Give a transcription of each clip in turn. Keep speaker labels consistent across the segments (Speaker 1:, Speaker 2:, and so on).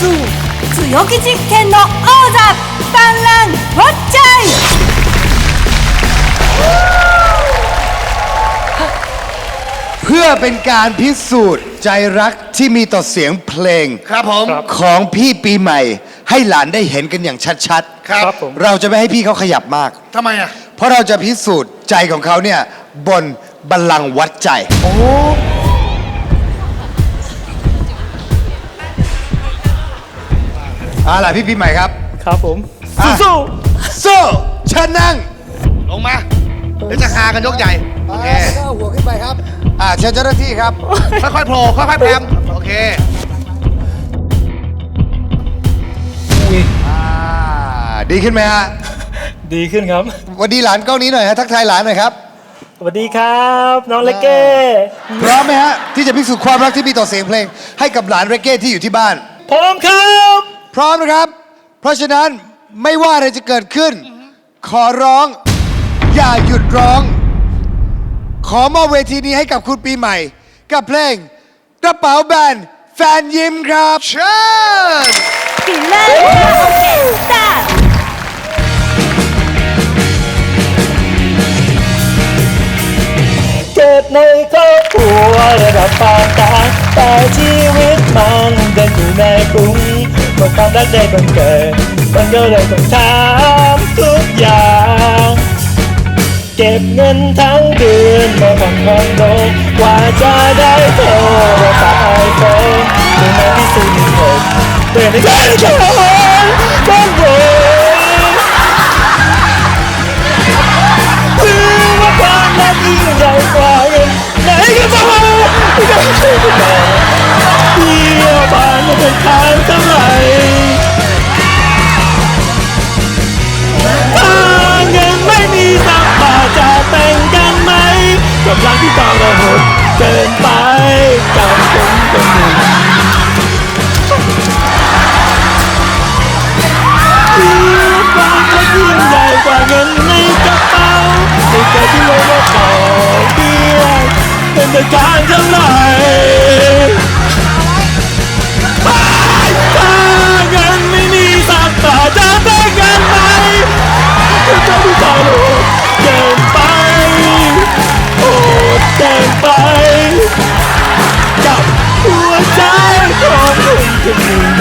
Speaker 1: สู้強気実験の王座バンランウォッチャイ
Speaker 2: เพื่อเป็นการพิสูจน์ใจรักที่มีต่อเสียงเพลง
Speaker 3: ครับผม
Speaker 2: ของพี่ปีใหม่ ให้หลานได้เห็นกันอย่างชัด
Speaker 3: ครับ
Speaker 2: ๆเราจะไม่ให้พี่เขาขยับมาก
Speaker 3: ทำไมอ่ะ
Speaker 2: เพราะเราจะพิสูจน์ใจของเขาเนี่ยบนบัลลังก์วัดใจล่ะพี่ปีใหม่ครับ
Speaker 4: ครับผม
Speaker 2: อ่ะ
Speaker 4: สู้
Speaker 2: สู้เชิญนั่ง
Speaker 3: ลงมาเดี๋ยวจะหากันยกใหญ่โอเค
Speaker 2: เอาหัวขึ้นไปครับเชิญเจ้าหน้าที่ครับ
Speaker 3: ค่อยๆโผล่ค่อยๆแพรมโอเค
Speaker 2: ดีขึ้นไหมฮะ
Speaker 4: ดีขึ้นครับ
Speaker 2: สวัสดีหลานกล้องนี้หน่อยฮะทักทายหลานหน่อยครับ
Speaker 4: สวัสดีครับ น้องเล็กเก้
Speaker 2: พร้อมไหมฮะที่จะพิสูจน์ความรักที่มีต่อเสียงเพลง ให้กับหลานเรเก้ที่อยู่ที่บ้าน
Speaker 4: พร้อมครับ
Speaker 2: พร้อมนะครับ เพราะฉะนั้นไม่ว่าอะไรจะเกิดขึ้น ขอร้องอย่าหยุดร้อง ขอมอบเวทีนี้ให้กับคุณปีใหม่ กับเพลงกระเป๋าแบนแฟนยิ้มครับ
Speaker 3: เชิญ
Speaker 1: ピラーオケスタート
Speaker 4: เกิดในครอบครัวระดับปานกลางแต่ชีวิตมันเดินอยู่ในกรุงเมื่อความรักได้บังเกิดมันก็เลยต้องถามทุกอย่างเก็บเงินทั้งเดือนมาผ่อนคอนโดกว่าจะได้โทรศัพท์ไอโฟนถึงในที่สุดผมเดินในการชนบ้านผมถือว่าความรักยิ่งใหญ่กว่าเงินไหนก็บอกไม่ต้องช่วยกันเลยเที่ยวผ่านมาเป็นทางเท่าไหร่ถ้าเงินไม่มีสักบาทจะแต่งกันไหมกับรักที่ต้องระหดเกินไปกับคนคนหนึ่งความรักยิ่งใหญ่กว่าเงินในกระเป๋าในใจที่ลงมาต่อเบี้ยเป็นแต่การเท่าไหร่ถ้าเงินไม่มีสักบาทจะแต่งกันไหมกับใจที่ต้องระหดเกินไปโอดเกินไปกับหัวใจของคนคนหนึ่ง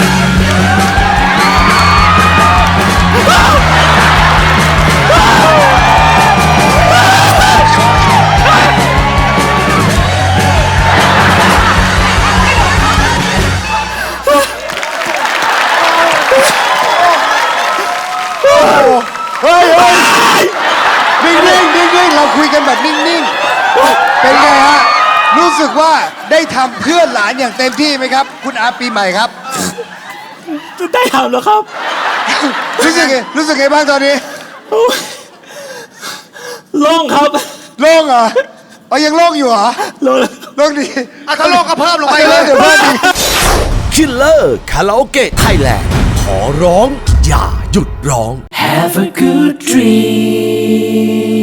Speaker 2: เฮ้ยนิ่งๆเราคุยกันแบบนิ่งๆเป็นไงฮะรู้สึกว่าได้ทำเพื่อหลานอย่างเต็มที่ไหมครับ คุณอาปีใหม่ครับ
Speaker 4: ได้ทำแล้วครับ
Speaker 2: รู้สึกไงบ้างตอนนี้
Speaker 4: โล่งครับ
Speaker 2: โล่งเหรอยังโล่งอยู่เหรอ
Speaker 4: โล่ง
Speaker 2: โล่งดี
Speaker 3: ถ้าโลกก็เพิ่มลงไปเลย
Speaker 2: เดี๋ยวเพิ่มดี
Speaker 5: คิลเลอร์คาราโอเกะไทยแลนด์ขอร้องอย่าหยุดร้อง
Speaker 6: Have a good dream